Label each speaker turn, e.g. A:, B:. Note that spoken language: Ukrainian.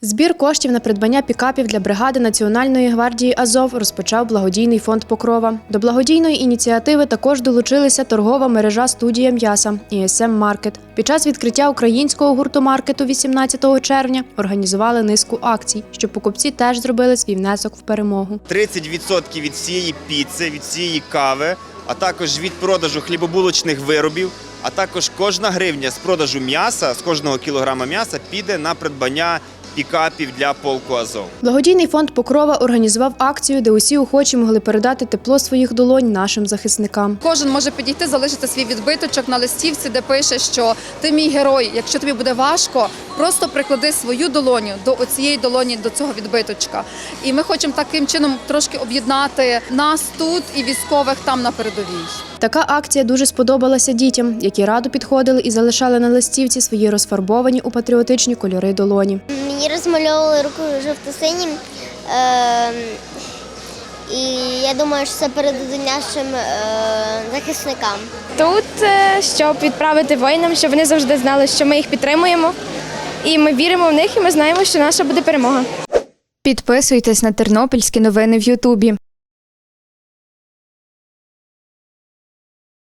A: Збір коштів на придбання пікапів для бригади Національної гвардії «Азов» розпочав благодійний фонд «Покрова». До благодійної ініціативи також долучилися торгова мережа «Студія м'яса» і СМ-маркет. Під час відкриття українського гуртомаркету 18 червня організували низку акцій, щоб покупці теж зробили свій внесок в перемогу.
B: 30% від всієї піци, від всієї кави, а також від продажу хлібобулочних виробів, а також кожна гривня з продажу м'яса, з кожного кілограма м'яса піде на придбання пікапів для полку «Азов».
A: Благодійний фонд «Покрова» організував акцію, де усі охочі могли передати тепло своїх долонь нашим захисникам.
C: Кожен може підійти, залишити свій відбиточок на листівці, де пише, що ти мій герой, якщо тобі буде важко, просто приклади свою долоню до цієї долоні, до цього відбиточка. І ми хочемо таким чином трошки об'єднати нас тут і військових там на передовій.
A: Така акція дуже сподобалася дітям, які радо підходили і залишали на листівці свої розфарбовані у патріотичні кольори долоні.
D: Мені розмальовували руку жовто-синім, і я думаю, що це передадуть нашим захисникам.
E: Тут, щоб відправити воїнам, щоб вони завжди знали, що ми їх підтримуємо, і ми віримо в них, і ми знаємо, що наша буде перемога.
F: Підписуйтесь на тернопільські новини в Ютубі.